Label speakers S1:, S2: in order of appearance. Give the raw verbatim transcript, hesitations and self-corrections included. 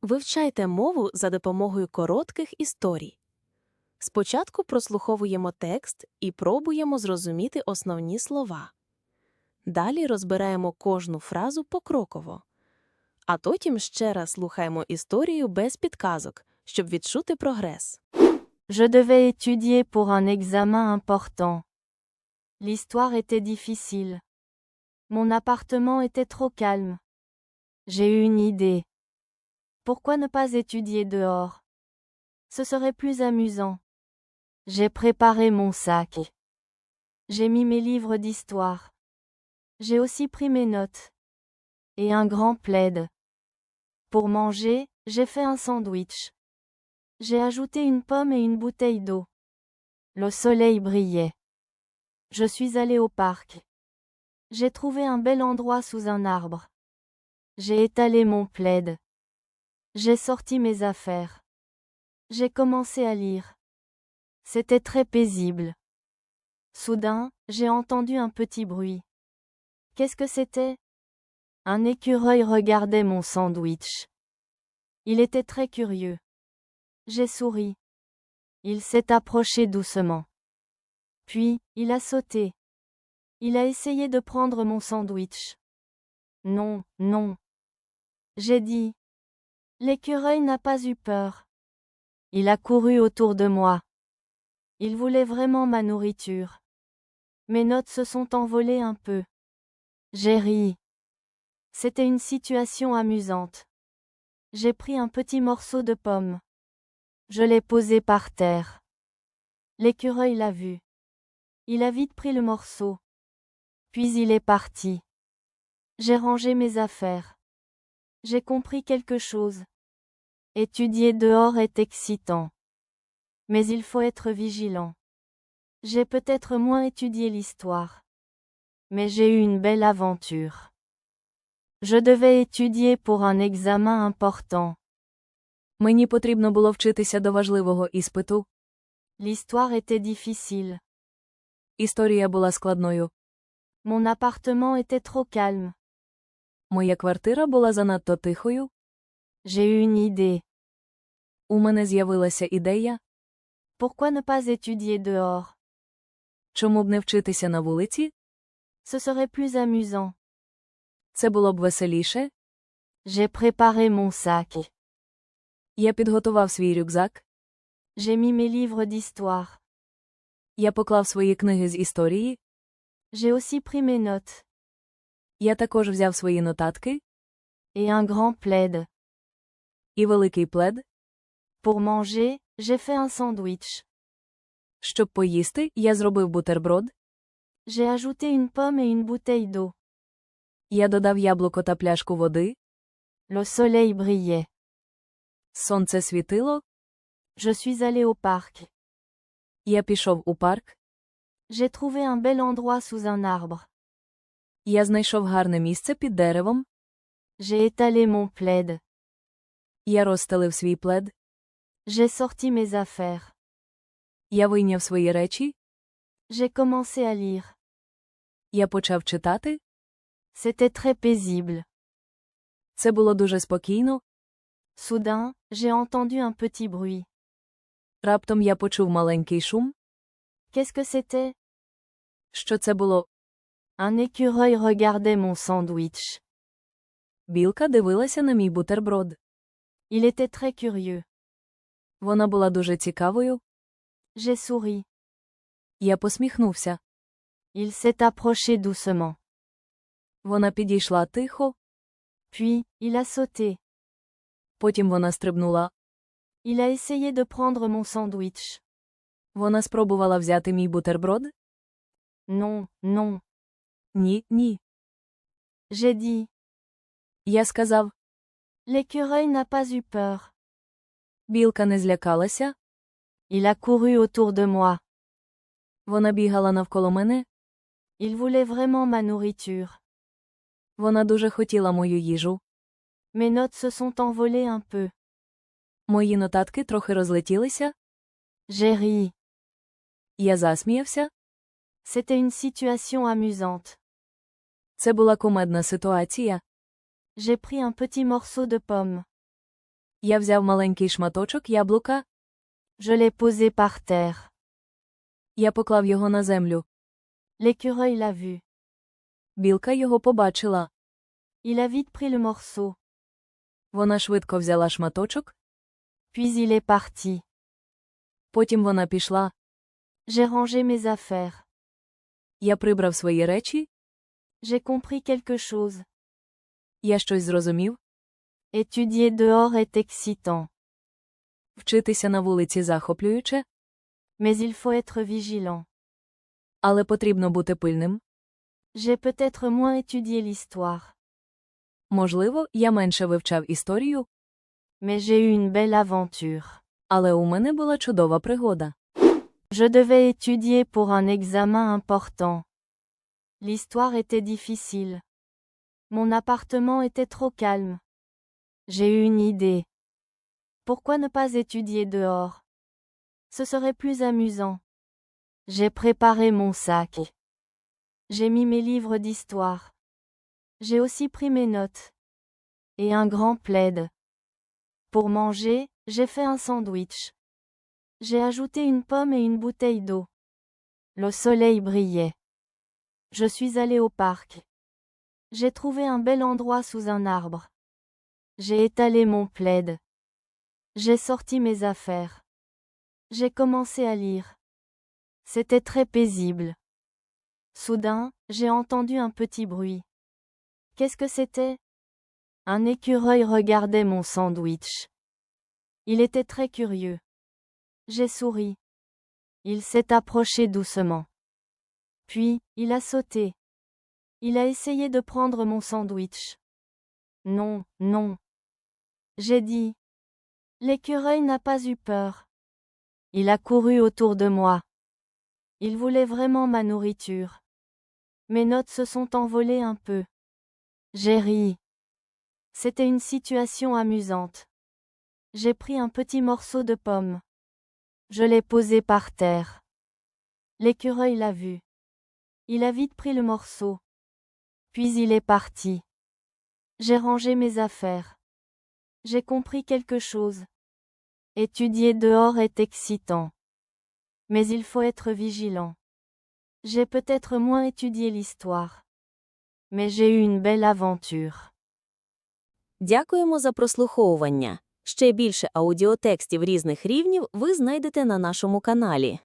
S1: Вивчайте мову за допомогою коротких історій. Спочатку прослуховуємо текст і пробуємо зрозуміти основні слова. Далі розбираємо кожну фразу покроково. А потім ще раз слухаємо історію без підказок, щоб відчути прогрес.
S2: Je devais étudier pour un examen important. L'histoire était difficile. Mon appartement était trop calme. J'ai eu une idée. Pourquoi ne pas étudier dehors? Ce serait plus amusant. J'ai préparé mon sac. J'ai mis mes livres d'histoire. J'ai aussi pris mes notes. Et un grand plaid. Pour manger, j'ai fait un sandwich. J'ai ajouté une pomme et une bouteille d'eau. Le soleil brillait. Je suis allé au parc. J'ai trouvé un bel endroit sous un arbre. J'ai étalé mon plaid. J'ai sorti mes affaires. J'ai commencé à lire. C'était très paisible. Soudain, j'ai entendu un petit bruit. Qu'est-ce que c'était? Un écureuil regardait mon sandwich. Il était très curieux. J'ai souri. Il s'est approché doucement. Puis, il a sauté. Il a essayé de prendre mon sandwich. Non, non. J'ai dit. L'écureuil n'a pas eu peur. Il a couru autour de moi. Il voulait vraiment ma nourriture. Mes notes se sont envolées un peu. J'ai ri. C'était une situation amusante. J'ai pris un petit morceau de pomme. Je l'ai posé par terre. L'écureuil l'a vu. Il a vite pris le morceau. Puis il est parti. J'ai rangé mes affaires. J'ai compris quelque chose. Étudier dehors est excitant. Mais il faut être vigilant. J'ai peut-être moins étudié l'histoire. Mais j'ai eu une belle aventure. Je devais étudier pour un examen important.
S1: Мені потрібно було вчитися до важливого іспиту.
S2: L'histoire était difficile.
S1: Історія була складною.
S2: Mon appartement était trop calme.
S1: Моя квартира була занадто тихою.
S2: J'ai eu une idée.
S1: У мене з'явилася ідея.
S2: Pourquoi ne pas étudier dehors?
S1: Чому б не вчитися на вулиці?
S2: Ce serait plus amusant.
S1: Це було б веселіше.
S2: J'ai préparé mon sac.
S1: Я підготував свій рюкзак.
S2: J'ai mis mes livres d'histoire.
S1: Я поклав свої книги з історії.
S2: J'ai aussi pris mes notes.
S1: Я також взяв свої нотатки.
S2: Et un grand plaid.
S1: І великий плед.
S2: Pour manger, j'ai fait un sandwich.
S1: Щоб поїсти, я зробив бутерброд.
S2: J'ai ajouté une pomme et une bouteille d'eau.
S1: Я додав яблуко та пляшку води.
S2: Le soleil brillait.
S1: Сонце світило.
S2: Je suis allé au parc.
S1: Я пішов у парк.
S2: J'ai trouvé un bel endroit sous un arbre.
S1: Я знайшов гарне місце під деревом.
S2: J'ai étalé mon plaid.
S1: Я розстелив свій плед.
S2: J'ai sorti mes affaires.
S1: Я вийняв свої речі.
S2: J'ai commencé à lire.
S1: Я почав читати.
S2: C'était très paisible.
S1: Це було дуже спокійно.
S2: Soudain, j'ai entendu un petit bruit.
S1: Раптом я почув маленький шум.
S2: Qu'est-ce que c'était?
S1: Що це було?
S2: Un écureuil regardait mon sandwich.
S1: Білка дивилася на мій бутерброд.
S2: Il était très curieux.
S1: Вона була дуже цікавою.
S2: J'ai souri.
S1: Я посміхнувся.
S2: Il s'est approché doucement.
S1: Вона підійшла тихо.
S2: Puis, il a sauté.
S1: Потім вона стрибнула.
S2: Il a essayé de prendre mon sandwich.
S1: Вона спробувала взяти мій бутерброд.
S2: Non, non.
S1: Ні, ні.
S2: J'ai dit.
S1: Я сказав.
S2: L'écureuil n'a pas eu peur.
S1: Білка не злякалася.
S2: Il a couru autour de moi.
S1: Вона бігала навколо мене.
S2: Il voulait vraiment ma nourriture.
S1: Вона дуже хотіла мою їжу.
S2: Mes notes se sont envolées un peu.
S1: Мої нотатки трохи розлетілися.
S2: J'ai ri.
S1: Я засміявся.
S2: C'était une situation amusante.
S1: Це була кумедна ситуація.
S2: J'ai pris un petit morceau de pomme.
S1: Я взяв маленький шматочок яблука.
S2: Je l'ai posé par terre.
S1: Я поклав його на землю.
S2: L'écureuil l'a vu.
S1: Білка його побачила.
S2: Il a vite pris le morceau.
S1: Вона швидко взяла шматочок.
S2: Puis il est parti.
S1: Потім вона пішла.
S2: J'ai rangé mes affaires.
S1: Я прибрав свої речі.
S2: J'ai compris quelque chose.
S1: Я щось зрозумів.
S2: Étudier dehors est excitant.
S1: Вчитися на вулиці захоплююче.
S2: Mais il faut être vigilant.
S1: Але потрібно бути пильним.
S2: J'ai peut-être moins étudié l'histoire.
S1: Можливо, я менше вивчав історію.
S2: Mais j'ai eu une belle aventure.
S1: Але у мене була чудова пригода.
S2: Je devais étudier pour un examen important. L'histoire était difficile. Mon appartement était trop calme. J'ai eu une idée. Pourquoi ne pas étudier dehors? Ce serait plus amusant. J'ai préparé mon sac. J'ai mis mes livres d'histoire. J'ai aussi pris mes notes. Et un grand plaid. Pour manger, j'ai fait un sandwich. J'ai ajouté une pomme et une bouteille d'eau. Le soleil brillait. Je suis allé au parc. J'ai trouvé un bel endroit sous un arbre. J'ai étalé mon plaid. J'ai sorti mes affaires. J'ai commencé à lire. C'était très paisible. Soudain, j'ai entendu un petit bruit. Qu'est-ce que c'était? Un écureuil regardait mon sandwich. Il était très curieux. J'ai souri. Il s'est approché doucement. Puis, il a sauté. Il a essayé de prendre mon sandwich. Non, non. J'ai dit. L'écureuil n'a pas eu peur. Il a couru autour de moi. Il voulait vraiment ma nourriture. Mes notes se sont envolées un peu. J'ai ri. C'était une situation amusante. J'ai pris un petit morceau de pomme. Je l'ai posé par terre. L'écureuil l'a vu. Il a vite pris le morceau. Puis il est parti. J'ai rangé mes affaires. J'ai compris quelque chose. Étudier dehors est excitant. Mais il faut être vigilant. J'ai peut-être moins étudié l'histoire. Mais j'ai eu une belle aventure.
S1: Дякуємо за прослуховування. Ще більше аудіотекстів різних рівнів ви знайдете на нашому каналі.